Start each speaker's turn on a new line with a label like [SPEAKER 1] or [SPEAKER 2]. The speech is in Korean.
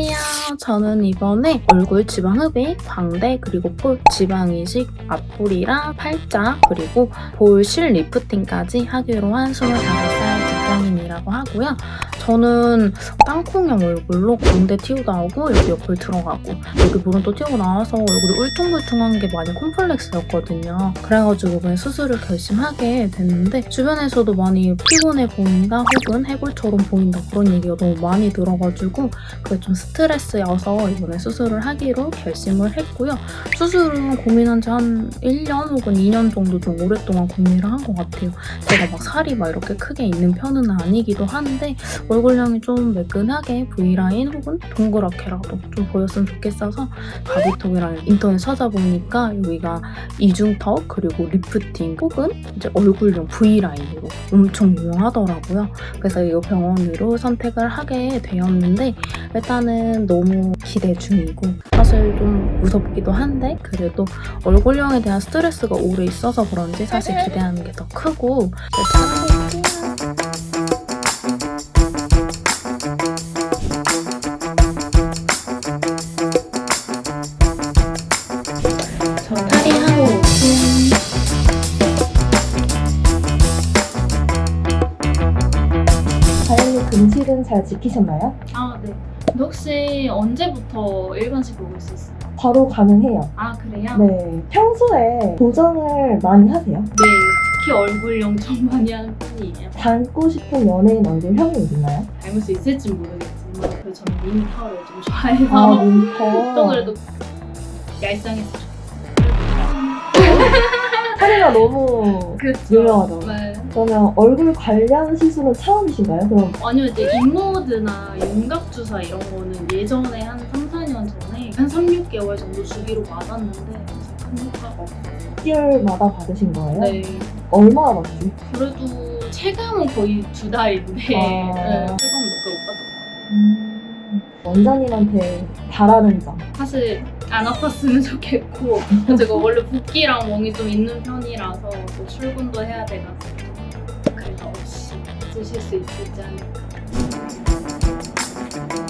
[SPEAKER 1] 안녕하세요. 저는 이번에 얼굴 지방 흡입, 광대, 그리고 볼 지방 이식, 앞볼이랑 팔자, 그리고 볼 실 리프팅까지 하기로 한 25살 직장인이라고 하고요. 저는 땅콩형 얼굴로 광대 튀고 나오고 여기 옆을 들어가고 여기 볼은 또 튀고 나와서 얼굴이 울퉁불퉁한 게 많이 콤플렉스였거든요. 그래가지고 이번에 수술을 결심하게 됐는데 주변에서도 많이 피곤해 보인다 혹은 해골처럼 보인다 그런 얘기가 너무 많이 들어가지고 그게 좀 스트레스여서 이번에 수술을 하기로 결심을 했고요. 수술은 고민한 지 한 1년 혹은 2년 정도 좀 오랫동안 고민을 한 것 같아요. 제가 막 살이 막 이렇게 크게 있는 편은 아니기도 한데 얼굴형이 좀 매끈하게 V라인 혹은 동그랗게라도 좀 보였으면 좋겠어서 가비톡이랑 인터넷 찾아보니까 여기가 이중턱 그리고 리프팅 혹은 이제 얼굴형 V라인으로 엄청 유명하더라고요. 그래서 이 병원으로 선택을 하게 되었는데 일단은 너무 기대 중이고 사실 좀 무섭기도 한데 그래도 얼굴형에 대한 스트레스가 오래 있어서 그런지 사실 기대하는 게 더 크고 찾아볼게요. 저 탈의하고 올게요.
[SPEAKER 2] 다현님 금실은 잘 지키셨나요?
[SPEAKER 3] 아, 네. 근데 혹시 언제부터 일반식 먹을 수 있어요?
[SPEAKER 2] 바로 가능해요.
[SPEAKER 3] 아, 그래요?
[SPEAKER 2] 네. 평소에 도전을 많이 하세요?
[SPEAKER 3] 네, 특히 얼굴형 좀 많이 하는 편이에요.
[SPEAKER 2] 닮고 싶은 연예인 얼굴형이 있나요?
[SPEAKER 3] 닮을 수 있을지 모르겠지만 그래도 저는 미니터를 좀 좋아해서
[SPEAKER 2] 아, 윈터.
[SPEAKER 3] 또 그래도 얄쌍했으면
[SPEAKER 2] 사례가 너무
[SPEAKER 3] 좋겠어요.
[SPEAKER 2] 유명하죠.
[SPEAKER 3] 네.
[SPEAKER 2] 그러면 얼굴 관련 시술은 처음이신가요? 그럼
[SPEAKER 3] 아니면 이제 인모드나 윤곽주사 이런 거는 예전에 한 3, 4년 전에 한 3, 6개월 정도 주기로 맞았는데 큰 효과가 없어요.
[SPEAKER 2] 6개월마다 받으신 거예요?
[SPEAKER 3] 네.
[SPEAKER 2] 얼마나 받지?
[SPEAKER 3] 그래도 체감은 거의 2달인데 네, 체감은 몇 개 못 받았던 것 같아요.
[SPEAKER 2] 원장님한테 바라는 점.
[SPEAKER 3] 사실 안 아팠으면 좋겠고 제가 원래 붓기랑 멍이 좀 있는 편이라서 또 출근도 해야 돼가지고 그래서 없이 쓰실 수 있을지 않을까.